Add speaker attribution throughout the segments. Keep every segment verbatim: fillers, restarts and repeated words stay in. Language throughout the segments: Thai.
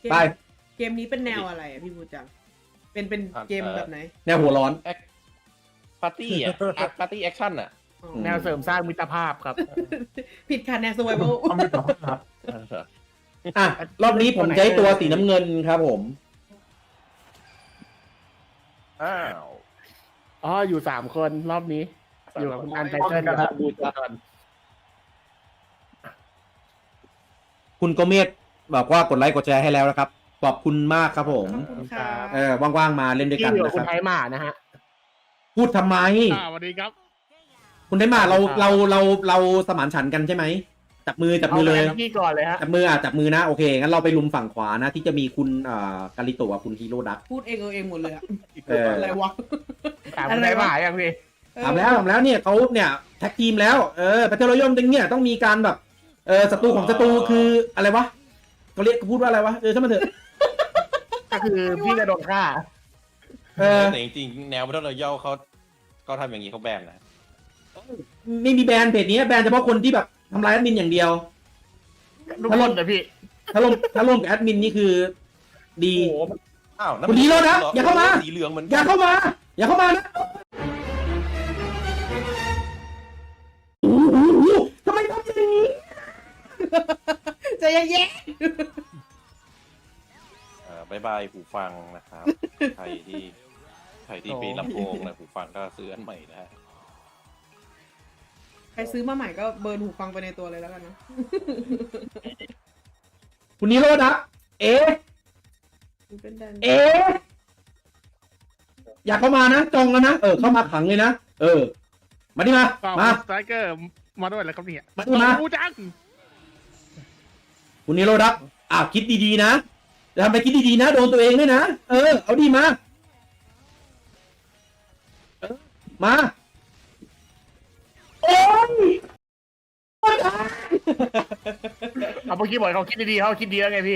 Speaker 1: ไป
Speaker 2: เกมนี้เป็นแนวอะไรอะพี่บูจังเป็นเป็นเกมแบบไหน
Speaker 1: แนวหัวร้อน
Speaker 3: ปาร์ตี้อ่ะปาร์ตี้แอคชั่นอ่ะ
Speaker 2: อ๋อ
Speaker 1: ม
Speaker 4: แนวเสริมสร้างมิตรภาพครับ
Speaker 2: ผิดค่ะแนว survival
Speaker 4: เอาไม่ต้องครับ
Speaker 1: อ่ะรอบนี้ผมใช้ตัวสีน้ำเงินครับผม
Speaker 3: อ้าว
Speaker 4: อ๋ออยู่สามคนรอบนี้ อยู่กับคุณอันไตเติ้ลกับบูจอน
Speaker 1: คุณโกเมศบอกว่ากดไลค์กดแชร์ให้แล้วนะครับขอบคุณมากครับผม
Speaker 2: ขอบคุณค่ะ
Speaker 1: เออว่างๆมาเล่นด้วย
Speaker 4: ที่
Speaker 1: กัน
Speaker 4: อยู่กับ
Speaker 1: นะค
Speaker 4: คุ
Speaker 1: รั
Speaker 4: ณ
Speaker 1: บ
Speaker 4: ไทยหมานะฮะ
Speaker 1: พูดทำไม
Speaker 4: อ่าสวัสดีครับ
Speaker 1: คุณได้มาเราเราเราเราสมานฉันท์กันใช่ไหมจับมือจับมือเลย
Speaker 4: าพี่ก่อนเลยฮะ
Speaker 1: จับมืออ่ะจับมือนะโอเคงั้นเราไปลุมฝั่งขวานะ ที่จะมีคุณอ่ากาลิโตะกับคุณฮีโร่ดัก
Speaker 2: พูดเองเออเองหมดเลยอะ
Speaker 1: เอออ
Speaker 2: อะไรวะ
Speaker 4: ถามคุณไทยหมาอย่างพี่
Speaker 1: ถามแล้วถามแล้วเนี่ยเขาเนี่ยแท็กทีมแล้วเออประเทศรอยมตึงเนี่ยต้องมีการแบบเออศัตรูของศัตรูคืออะไรวะเขาเรียกพูดว่าอะไรวะเออถ้ามันเถอะ
Speaker 4: ก็คือพี่จะโดนฆ่า
Speaker 1: เออ
Speaker 3: แต่จริงๆแนวบัตเทิลรอยัลเขาเขาทำอย่างนี้เขาแบนนะ
Speaker 1: ไม่มีแบรนด์เพจนี้แบรนด์เฉพาะคนที่แบบทำลายแอดมินอย่างเดียว
Speaker 4: ทุกคนแต่พี่
Speaker 1: ถ้าร่วมถ้าร่วมกับแอดมินนี่คือดี
Speaker 4: โอ้โห
Speaker 3: อ้าว
Speaker 1: คุณฮีโร่นะอย่าเข้ามา
Speaker 3: สีเหลืองเหมือน
Speaker 1: อย่าเข้ามา อย่าเข้ามานะโอ้โหทำไมทำอย่างนี้
Speaker 2: ใจเย็น
Speaker 3: เอ่อบายบายหูฟังนะครับใครที่ใครที่มีลำโพงนะหูฟังก็ซื้ออันใหม่นะฮะ
Speaker 2: ๆใครซื้อมาใหม่ก็เบิร์นหูฟังไปในตัวเลยแล้วกันนะ
Speaker 1: คุณฮีโร่นะเอ๊ะ
Speaker 2: เป็นแดน
Speaker 1: เอ๊ะอยากเข้ามานะจองแล้วนะเออเข้ามาขังเลยนะเออ มาดิมามา
Speaker 4: สไตรเกอร์มาด้วยแล้วครับเนี่ย
Speaker 1: มาดิมา
Speaker 4: บูจัง
Speaker 1: คุณฮีโร่ดักอ่ะคิดดีๆนะจะทำไปคิดดีๆนะโดนตัวเองด้วยนะเออเอาดีมาเออมาโอ้ย
Speaker 4: เอาเมื่อกี้บอกเขาคิดดีๆเขาคิดดีแล้วไงพี่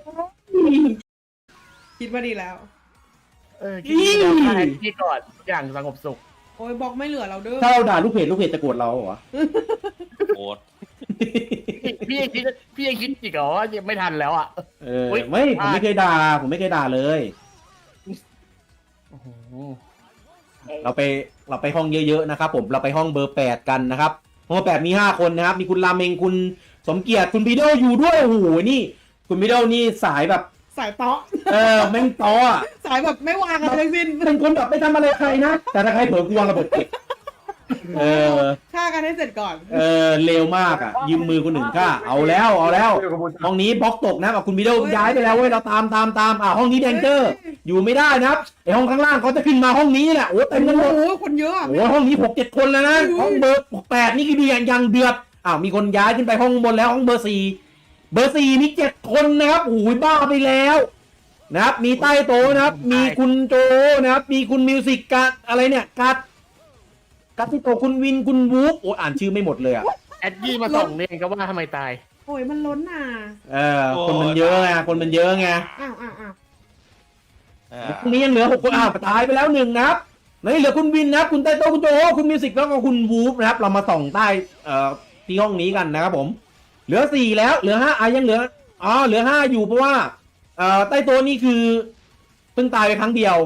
Speaker 2: คิดว่าดีแล้ว
Speaker 4: เออคิดดีแล้วให้พี่ก่อนอย่างสงบสุข
Speaker 2: โอ้ยบอกไม่เหลือเราเด้อ
Speaker 1: ถ้าเราด่าลูกเพจลูกเพจจะโกรธเราเหรอ
Speaker 3: โอ๊ต
Speaker 4: พี่ยังคิดพี่ยังคิดอีกเหรอว่ายังไม่ทันแล้วอ่ะ
Speaker 1: เออ
Speaker 4: อุ๊ย
Speaker 1: ไม่ผมไม่เคยด่าผมไม่เคยด่าเลย
Speaker 4: โอ้โห
Speaker 1: เราไปเราไปห้องเยอะๆนะครับผมเราไปห้องเบอร์แปดกันนะครับห้องแปดมีห้าคนนะครับมีคุณราเมงคุณสมเกียรติคุณพีโดอยู่ด้วยโอ้โหนี่ คุณพีโดนี่สายแบบ
Speaker 2: สายเตาะ
Speaker 1: เออแม่งต่ออ่ะ
Speaker 2: สายแบบไม่วางอะไรทั้งสิ้น
Speaker 1: เป็นคนแบบไม่ทำอะไรใครนะแต่ถ้าใครเผลอกวางระเบิดเก็บเออ
Speaker 2: ฆ่ากันให้เสร็จก่อน
Speaker 1: เออเร็วมากอ่ะยืมมือคนหนึ่งฆ่าเอาแล้วเอาแล้วห้องนี้บล็อกตกนะกับคุณพีโดย้ายไปแล้วเว้ยเราตามตามตามอ่าห้องนี้แดนเจอร์อยู่ไม่ได้นะครับไอห้องข้างล่างเขาจะขึ้นมาห้องนี้แหละโอ้เต็มกันหมด
Speaker 2: โอ้โหคนเยอะอะ
Speaker 1: โอ้ห้องนี้หกเจ็ดคนแล้วนะ
Speaker 2: อุ้ย
Speaker 1: ห้องเบอร์แปดนี่คือดีอย่างเดือดอ้าวมีคนย้ายขึ้นไปห้องบนแล้วห้องเบอร์สี่เบอร์สี่มีเจ็ดคนนะครับโอ้ยบ้าไปแล้วนะครับมีใต้โต๊ะนะครับ มีคุณโจนะครับมีคุณมิวสิกกัดอะไรเนี่ยกัดกัดที่โตะคุณวินคุณวูฟโอ้อ่านชื่อไม่หมดเลยอ่ะ
Speaker 4: แอดดี้มาส่งเนี่ยก็ว่าทำไมตาย
Speaker 2: โอ้ยมันล้นอ่ะ
Speaker 1: เออคนมันเยอะไงคนมันเยอะไง
Speaker 2: อ้าวอ้าวอ้าว
Speaker 3: อ่า
Speaker 1: พรุ่งนี้ยังเหลือหกคนอ้าวตายไปแล้วหนึ่งนะครับนี่เหลือคุณวินนะครับคุณไต้โต้คุณโจคุณมิวสิกแล้วก็คุณวูฟนะครับเรามาส่องใต้เอ่อที่ห้องนี้กันนะครับผม เหลือสี่แล้วเหลือห้าอ่ะยังเหลืออ๋อเหลือห้าอยู่เพราะว่าเอ่อใต้โต๊ะนี่คือเพิ่งตายไปครั้งเดียว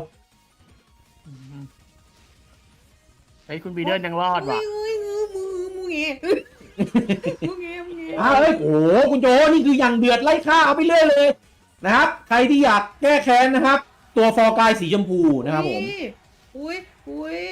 Speaker 4: ไอ้ยคุณบีเดอร์ยังรอดว่ะ
Speaker 2: อุ้ยอุ้ยมือมือมือเงี้ยมือเงี้ยมือเงี้ย
Speaker 1: อ้าวเอ้ยโอ้โหคุณโจนี่คืออย่างเดือดไล่ฆ่าเอาไปเรื่อยเลยนะครับ ใครที่อยากแก้แค้นนะครับ ตัวฟอร์กายสีชมพูนะครับผม
Speaker 2: อุ้ยอุ้ย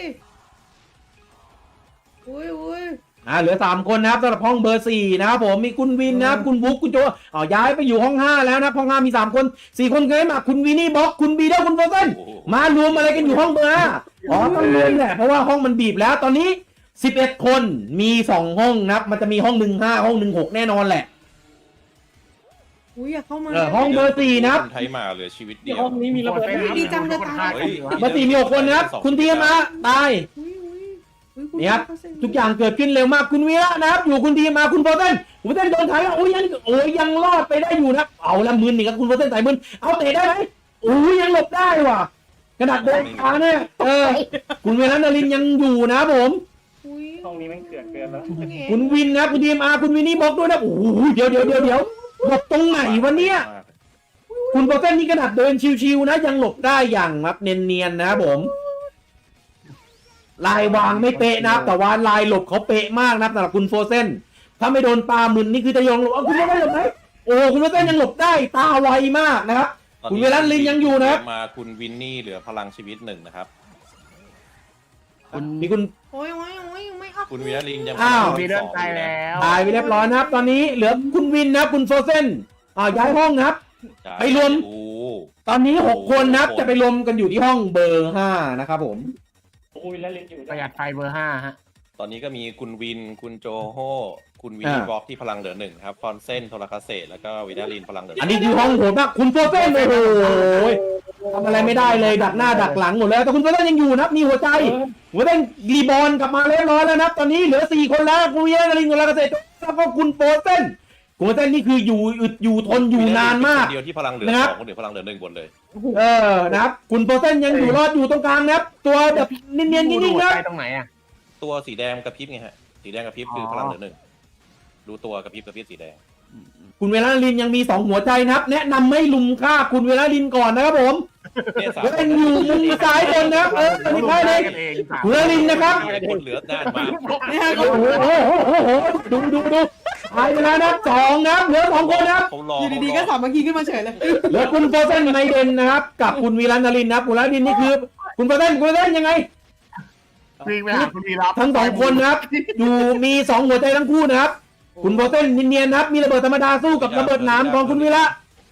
Speaker 2: อุ้ยอุ้ย
Speaker 1: อ่าเหลือสามคนนะครับสำหรับห้องเบอร์สี่นะครับผมมีคุณวินนะครับคุณบุ๊กคุณโจอ๋อย้ายไปอยู่ห้องห้าแล้วนะห้องห้ามีสามคนสี่คนเคยมาคุณวินี่บ็อกคุณบีเดอร์คุณโฟเซน
Speaker 3: โอ้โห
Speaker 1: มารวมอะไรกันอยู่ห้องเบอร์ห้าอ๋อต้องรวมแหละเพราะว่าห้องมันบีบแล้วตอนนี้สิบเอ็ดคนมีสองห้องนะครับมันจะมีห้องหนึ่งห้าห้องหนึ่งหกแน่นอนแหละ
Speaker 2: อุ้ยอยากเข้ามา
Speaker 1: เออห้องเบอร์สี่นะครับ
Speaker 3: คนไทยมาเหลือชีวิตเดียว
Speaker 4: ห้องนี้มีระเบิด
Speaker 2: ดีจังเลยตาย
Speaker 3: เฮ้ย
Speaker 1: เบอร์สี่มีหกคนนะครับคุณทีมะตาย
Speaker 2: อุ้ยอุ้ยอุ้ย
Speaker 1: นี่ครับ ทุกอย่างเกิดขึ้นเร็วมากคุณวีระนะครับอยู่คุณทีมาคุณโฟเซนคุณโฟเซนโดนถ่ายแล้วโอ้ยยังโอ้ยยังรอดไปได้อยู่นะครับเอาละมือหนึ่งครับคุณโฟเซนใส่มือเอาเตะได้ไหมโอ้ยยังหลบได้ว่ะกระดาษเดินขาเนี่ยเออคุณเวรันดรินยังอยู่นะครับผม
Speaker 2: อุ้ย
Speaker 4: ห้องนี้มันเกิดเกินแล้ว
Speaker 1: คุณวินนะครับคุณทีมาคุณวินนี่บล็อกด้วยนะโอ้โหเดี๋ยวเดี๋ยวเดี๋ยวเดี๋ยวหลบตรงไหนวะเนี่ย
Speaker 2: อุ้ย
Speaker 1: คุณโปรเซนนี่ขนาดเดินชิวๆนะยังหลบได้อย่างแบบเนียนๆนะครับผมลายวางไม่เป๊ะนะครับแต่ว่าลายหลบเขาเป๊ะมากนะครับสำหรับคุณโฟเซนถ้าไม่โดนปลามึนนี่คือจะยองหลบเอาคุณไม่ได้หลบไหมโอ้คุณโฟเซนยังหลบได้ตาไวมากนะครับ
Speaker 3: ตอน
Speaker 1: คุณ
Speaker 3: นี้
Speaker 1: เวลันลินยังอยู่นะครับ
Speaker 3: มาคุณวินนี่เหลือพลังชีวิตหนึ่งนะครับ
Speaker 4: คุณ
Speaker 1: มีคุณ
Speaker 2: โอ้ยโอ้ยโอ้ยไม่อัพ
Speaker 3: คุณวิลันลินยัง
Speaker 1: อ้าว
Speaker 4: มีเรื่องตายแล้ว
Speaker 1: ตายไปเรียบร้อยนะครับ ตอนนี้เหลือคุณวินนะครับคุณโฟเซนอ่าย้ายห้องนะครับ ไปรวม
Speaker 3: โอ้
Speaker 1: ตอนนี้หกคนนะครับจะไปรวมกันอยู่ที่ห้องเบอร์ห้านะครับผม
Speaker 4: ประหยัดไฟเบอร์ห้าฮะ
Speaker 3: ตอนนี้ก็มีคุณวิน คุณโจโฮคุณวิน
Speaker 1: อ่า
Speaker 3: นี่บล็อกที่พลังเหลือหนึ่งครับฟอนเซนโทรคาเซตแล้วก็วินาลินพลังเหลือ
Speaker 1: อันนี้คือห้องโหดมากคุณโฟเซนโอ้โหทำอะไรไม่ได้เลยดักหน้าดักหลังหมดแล้วแต่คุณโฟเซนยังอยู่นะครับมีหัวใจ หัวใจรีบอลกลับมาเรียบร้อยแล้วนะครับตอนนี้เหลือสี่คนแล้วคุณวินาลินคุณลากาเซตแล้วก็คุณโฟเซนคุณโฟเซนนี่คืออยู่อึดอยู่ทนอยู่นานมาก
Speaker 3: คนเดียวที่พลังเหลือ
Speaker 1: นะครับ
Speaker 3: สองคนเดียวพลังเหลือหนึ่งบนเลย
Speaker 1: เออนะครับคุณโฟเซนยังอยู่รอดอยู่ตรงกลางนะครับตัวแบบเนียนๆนิ่งๆนะ
Speaker 4: ใตรงไหนอ่ะ
Speaker 3: ตัวสีแดงกระพริบไงฮะสีแดงกระพริบคือพลังเหลือหนึ่งดูตัวกระพริบกระพริบสีแดง
Speaker 1: คุณเวลาลินยังมีสองหัวใจนะครับ แนะนำไม่ลุมฆ่าคุณเวลาลินก่อนนะครับผม
Speaker 3: เนี่ยสาม
Speaker 1: เล่นอยู่มุมซ้ายบนนะครับเออไม่ใช่เลย
Speaker 4: กันเองสาม
Speaker 1: คุณเวลาลินนะครับ
Speaker 3: คนเหลือด้านมาก
Speaker 2: เนี่ย
Speaker 1: โอ้โหโอ้โหโอ้โหดูดูดูตายไปแล้วนะครับสองนะครับเหลือสองคนนะครับ
Speaker 3: เขารอ
Speaker 2: อยู่ดีๆก็สามัคคีขึ้นมาเฉยเลย
Speaker 1: เหลือคุณโฟเซนไมเดนนะครับกับคุณวีรันดาลินนะครับคุณวีรันดาลินนี่คือ คุณโฟเซนคุณโฟเซนยังไง
Speaker 4: วิ่งไปหาคุณวีรับ
Speaker 1: ทั้งสองคนนะครับ อยู่มีสองหัวใจทั้งคู่นะครับ คุณโฟเซนเนียนๆนะครับ มีระเบิดธรรมดาสู้กับระเบิดหนามของคุณวีระ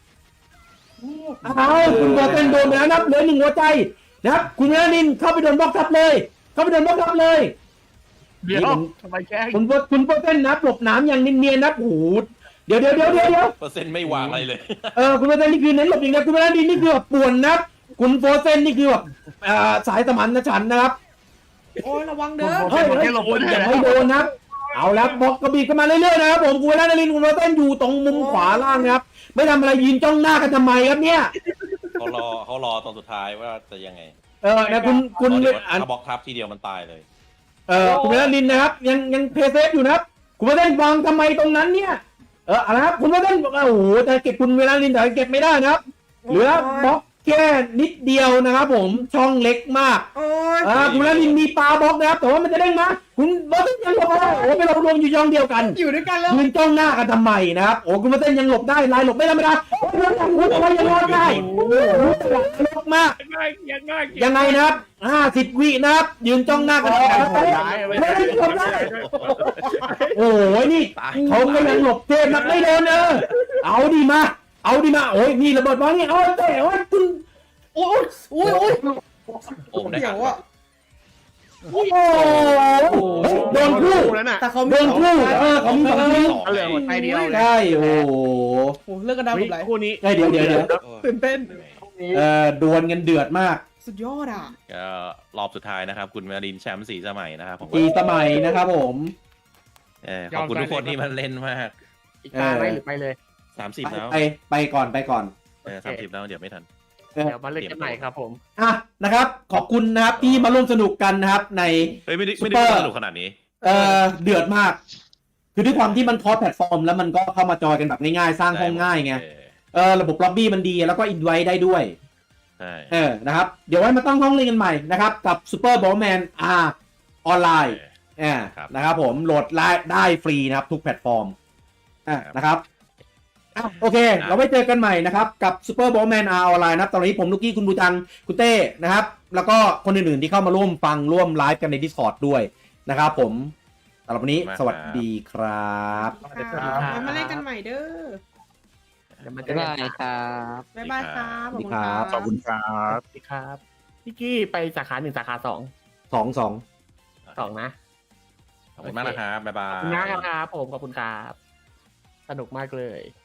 Speaker 1: เอาคุณโฟเซนโดนไปแล้วนะครับเหลือหนึ่งหัวใจนะครับ คุณวีระลินเข้าไปโดนบล็อกทับเลย เข้าไปโดนบล็อกทับเลย
Speaker 4: เดี๋ยวทำไมแกล้ง
Speaker 1: คุณโฟคุณโฟเซนนะครับหลบหนามอย่างเนียนๆนะครับโอ้โหเดี๋ยวเดี๋ยวเดี๋ยวเดี๋ยวเดี๋ยว
Speaker 3: เปอร์เซ็นต์ไม่วางอะไรเลย
Speaker 1: เออคุณโฟเซนนี่คือเน้นหลบอย่างเดียวคุณวีระลินนี่คือแบบป่วนนะครับ คุณโฟเซนนี่คือแบบอ่าสายสมานฉันท์นะครับ
Speaker 2: โอ้ยระวังเด้อ
Speaker 1: เฮ้ยเฮ้ยอย่าให้โดนนะครับ เอาแล้วบอกกระบี่กันมาเรื่อยๆนะครับผมคุณเวลานารินคุณโรเต้นอยู่ตรงมุมขวาล่างนะครับ ไม่ทำอะไรยืนจ้องหน้ากันทำไมครับเนี่ย
Speaker 3: เขารอเขารอตอนสุดท้ายว่าจะยังไง
Speaker 1: เออนะคุณคุณ
Speaker 3: เพราะเดี๋ยว
Speaker 1: อัน
Speaker 3: ถ้าบล็อกทับทีเดียวมันตายเลย
Speaker 1: เออคุณเวลานารินนะครับ ยังยังเพย์เซฟอยู่นะครับ คุณโรเต้นวางทำไมตรงนั้นเนี่ย เออเอาละครับคุณโรเต้นบอกว่าโอ้โหแต่เก็บคุณเวลานารินแต่เก็บไม่ได้นะครับ เหลือบล็อกแค่นิดเดียวนะครับผมช่องเล็กมาก
Speaker 2: โอ้ย
Speaker 1: อ่าคุณเวลานารินมีปลาบล็อกนะครับแต่ว่ามันจะเด้งมาคุณโรเต้นยังหลบไม่ได้โอ้โหไปเรารวมอยู่ช่องเดียวกัน
Speaker 2: อยู่ด้วยกันแล้ว
Speaker 1: ยืนจ้องหน้ากันทำไมนะครับโอ้คุณมาเต้นยังหลบได้ลายหลบไม่ธรรมดาโอ้ยยังยังยังยังรอดได้ลบมาก
Speaker 4: ยังไง
Speaker 1: ยังไงนะครับห้าสิบวินะครับยืนจ้องหน้ากันไม่ได้หลบได้โอ้ยนี่เขาก็ยังหลบเทพนักไม่โดนเออเอาดีมาเอาดีมาโอ้ยนี่ระเบิดวางนี่เอาแต่ว่าคุณ
Speaker 2: โอ้ยโอ้ยโอ้ย
Speaker 3: โอ้ได้
Speaker 2: เดี๋
Speaker 3: อ่ะ
Speaker 2: ยวอ่ะ
Speaker 1: โอ้โหโดนคู่
Speaker 4: แล้วน่ะ
Speaker 2: แต่เขา
Speaker 1: โดนคู่เออเขามีสองที
Speaker 4: เอาเหลือหัวใจเดียวเลย
Speaker 1: ใช่โอ้โห
Speaker 2: โอ้เลิกกันได้หมดเลย
Speaker 4: คู่นี้
Speaker 1: เดี๋ยวเดี๋ยวเดี๋ยว
Speaker 2: ตื่นเต้น
Speaker 1: เออดวลกันเดือดมาก
Speaker 2: สุดยอดอ่ะ
Speaker 3: ก็รอบสุดท้ายนะครับ คุณมารินแชมป์สี่สมัยนะครับผม
Speaker 1: ปีสมัยนะครับผม
Speaker 3: เออขอบคุณทุกคนที่มาเล่นมาก
Speaker 4: อีกตาไหมหรือไปเลย
Speaker 3: สามสิบแล้ว
Speaker 1: ไปไปก่อนไปก่อน
Speaker 3: เออสามสิบแล้วเดี๋ยวไม่ทัน
Speaker 1: เออ
Speaker 4: เดี๋ยวมาเล่นกันใหม่ครับผม
Speaker 1: อ่ะนะครับ ขอบคุณนะครับที่มาร่วมสนุกกันนะครับ ใน
Speaker 3: เฮ้ยไม่ได้
Speaker 1: ซุ
Speaker 3: ไม่
Speaker 1: ป
Speaker 3: ได้
Speaker 1: เปอร์
Speaker 3: สนุกขนาดนี้
Speaker 1: เอ่อเดือดมาก คือด้วยความที่มันคอสแพลตฟอร์ม แล้วมันก็เข้ามาจอยกันแบบง่ายๆ สร้างห้องง่ายไง
Speaker 3: เออ
Speaker 1: เออระบบล็อบบี้มันดีแล้วก็อินไว้ได้ด้วย
Speaker 3: ใช่
Speaker 1: เออนะครับ เดี๋ยวไว้มาตั้งห้องเล่นกันใหม่นะครับ กับซูเปอร์บอลแมนอาร์ออนไลน์อ่านะครับผมโหลดได้ได้ฟรีนะครับ ทุกแพลตฟอร์มอ่านะครับอ่ะโอเค เราไว้เจอกันใหม่นะครับกับ Super Bowman R ออนไลน์นะครับตอนนี้ผมลูกกี้คุณบูจังคุณเต้นะครับ แล้วก็คนอื่นๆที่เข้ามาร่วมฟังร่วมไลฟ์กันใน Discord ด้วยนะครับผมสำหรับวันนี้สวัสดีครับ
Speaker 2: ครับมาเล่นกันใหม่เด้อ
Speaker 4: เดี๋ยวมันจะ
Speaker 5: ได้ครับ
Speaker 2: บ๊ายบายครับ
Speaker 1: สวัสดีครับ
Speaker 5: ขอบคุณครับ
Speaker 4: สวัสดีครับพี่กี้ไปสาขาหนึ่งสาขาสอง
Speaker 1: สองสอง
Speaker 4: สองนะ
Speaker 3: ขอบคุณมากนะครับบ๊ายบา
Speaker 4: ขอบ
Speaker 3: ย
Speaker 4: คุณมากครับผมขอบคุณครับ สนุกมากเลย